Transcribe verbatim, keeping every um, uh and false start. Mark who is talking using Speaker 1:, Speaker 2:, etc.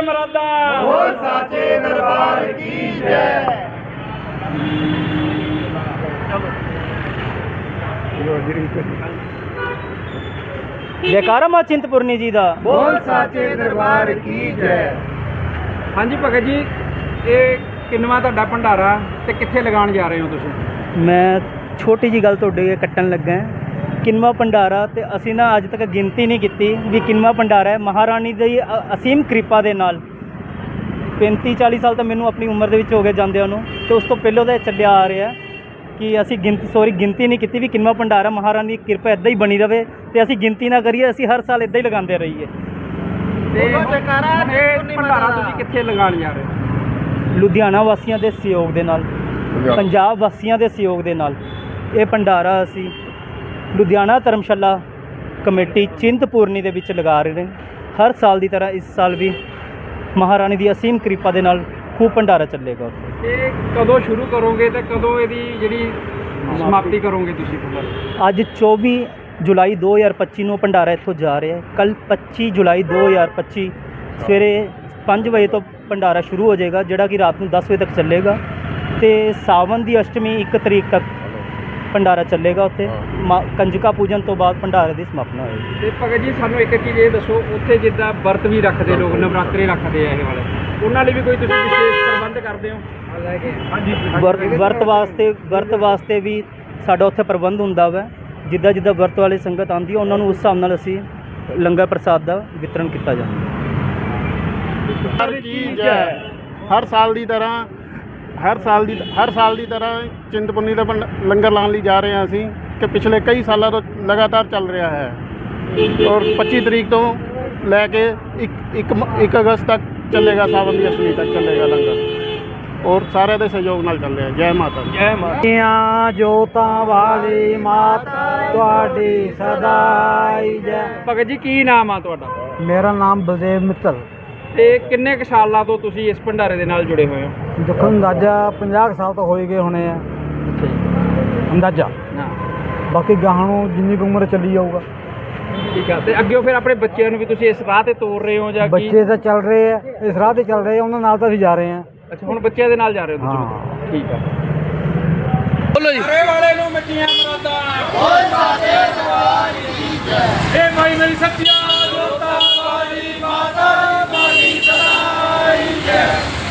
Speaker 1: मरादा
Speaker 2: बोल साचे दरबार की जय।
Speaker 3: जयकारा मां चिंतपूर्णी जी दा।
Speaker 2: बोल साचे दरबार की जय।
Speaker 1: हाँ जी भगत जी, ये किन्नवा तुहाडा भंडारा ते कित्थे लगाण जा रहे हो तुसीं?
Speaker 3: मैं छोटी जी गल तुहाडे अगे कट्टन लगा है। किन्नवा भंडारा ते असीं ना अज तक गिनती नहीं कीती भी किन्नवा भंडारा है। महारानी दी असीम कृपा दे नाल पैंती चाली साल तो मैनू अपनी उम्र दे विच हो गए जांदियां नूं, ते उस तो पहलों तो चलिया आ रहा है कि असीं गिनती सॉरी गिनती नहीं की भी किन्नवा भंडारा महारानी की कृपा इदां ही बनी रहे तो असीं गिनती ना करिए, असीं हर साल इदां ही लगाते रहिए।
Speaker 1: ते हुण ये भंडारा तुसीं कित्थे लगाण जा रहे हो?
Speaker 3: लुधियाना वासियों के सहयोग के नाल, पंजाब वासियों के सहयोग के नाल ये भंडारा असी लुधियाना धर्मशाला कमेटी चिंतपूर्णी दे विच लगा रहे हैं। हर साल की तरह इस साल भी महारानी की असीम कृपा के नाल खूब भंडारा चलेगा।
Speaker 1: ये कदों शुरू करोगे तो कदों इहदी जिहड़ी समाप्ति करोगे तुसीं?
Speaker 3: अज चौबी जुलाई दो हज़ार पच्ची नूं भंडारा इत्थों जा रहा है। कल पच्ची जुलाई दो हज़ार पच्ची सवेरे पाँच बजे तो भंडारा शुरू हो जाएगा, जोड़ा कि रात को दस बजे तक चलेगा। तो सावन की अष्टमी एक तरीक तक भंडारा चलेगा। उत्थे कंजका पूजन तो बाद भंडारे की समापना होगी।
Speaker 1: तो भगत जी सानू एक चीज़ ये दसो, उत्थे जिद्दां व्रत भी रखते लोग, नवरात्रे रखते हैं ये वाले, उन्होंने भी कोई तुसीं विशेष प्रबंध करते हो? हाँ जी,
Speaker 3: व्रत व्रत वास्ते व्रत वास्ते भी साडा उत्थे प्रबंध हुंदा वा। जिद्दां जिद्दां व्रत वाली संगत आंदी है उन्होंने उस हिसाब नाल असीं लंगर प्रसाद का वितरण किया जाता है।
Speaker 2: की जय। हर साल की तरह हर साल की हर साल की तरह चिंतपूर्णी का लंगर लाने ਲਈ जा रहे हैं ਅਸੀਂ कि पिछले कई सालों तो लगातार चल रहा है और पच्चीस तरीक तो लैके एक एक एक अगस्त तक चलेगा, सावन की अष्टमी तक चलेगा लंगर और सारे के सहयोग नाल चल रहा है। जय माता दी।
Speaker 1: जय माता।
Speaker 3: जोतां वाली माता तुहाडी सदाई जय।
Speaker 1: भगत जी की नाम आ तुहाडा?
Speaker 3: मेरा नाम बलदेव मित्तल।
Speaker 1: ਤੇ ਕਿੰਨੇ ਕੁ ਸਾਲਾਂ ਤੋਂ ਤੁਸੀਂ ਇਸ ਭੰਡਾਰੇ ਦੇ ਨਾਲ ਜੁੜੇ ਹੋਏ ਹੋ?
Speaker 3: देखो अंदाजा ਪੰਜਾਹ साल तो हो ही गए होने हैं अंदाजा।
Speaker 1: ਹਾਂ
Speaker 3: बाकी गाहां नूं जिन्नी कुछ उम्र चली जाऊगा।
Speaker 1: ਠੀਕ ਆ। ਤੇ ਅੱਗੇ ਫਿਰ ਆਪਣੇ ਬੱਚਿਆਂ ਨੂੰ ਵੀ ਤੁਸੀਂ ਇਸ ਰਾਹ ਤੇ ਤੋਰ ਰਹੇ ਹੋ ਜਾਂ ਕੀ?
Speaker 3: बच्चे तो चल रहे हैं, इस राह ते चल रहे हैं, उन्होंने नाल तो असीं जा रहे हैं।
Speaker 1: ਅੱਛਾ, ਹੁਣ ਬੱਚਿਆਂ ਦੇ ਨਾਲ ਜਾ ਰਹੇ ਹੋ ਤੁਸੀਂ?
Speaker 3: ਹਾਂ।
Speaker 1: ਠੀਕ ਆ। ਬੋਲੋ ਜੀ। ਸਾਰੇ ਵਾਲੇ ਨੂੰ ਮੱਚੀਆਂ ਮਰਾਦਾ।
Speaker 2: बोल साचे दरबार की जय।
Speaker 1: ਇਹ ਭਾਈ ਮੇਰੀ ਸੱਚੀਆਂ ਜੋਤਾਂ ਵਾਲੀ ਮਾਤਾ ਦੀ ਸਦਾਈ ਜੈ।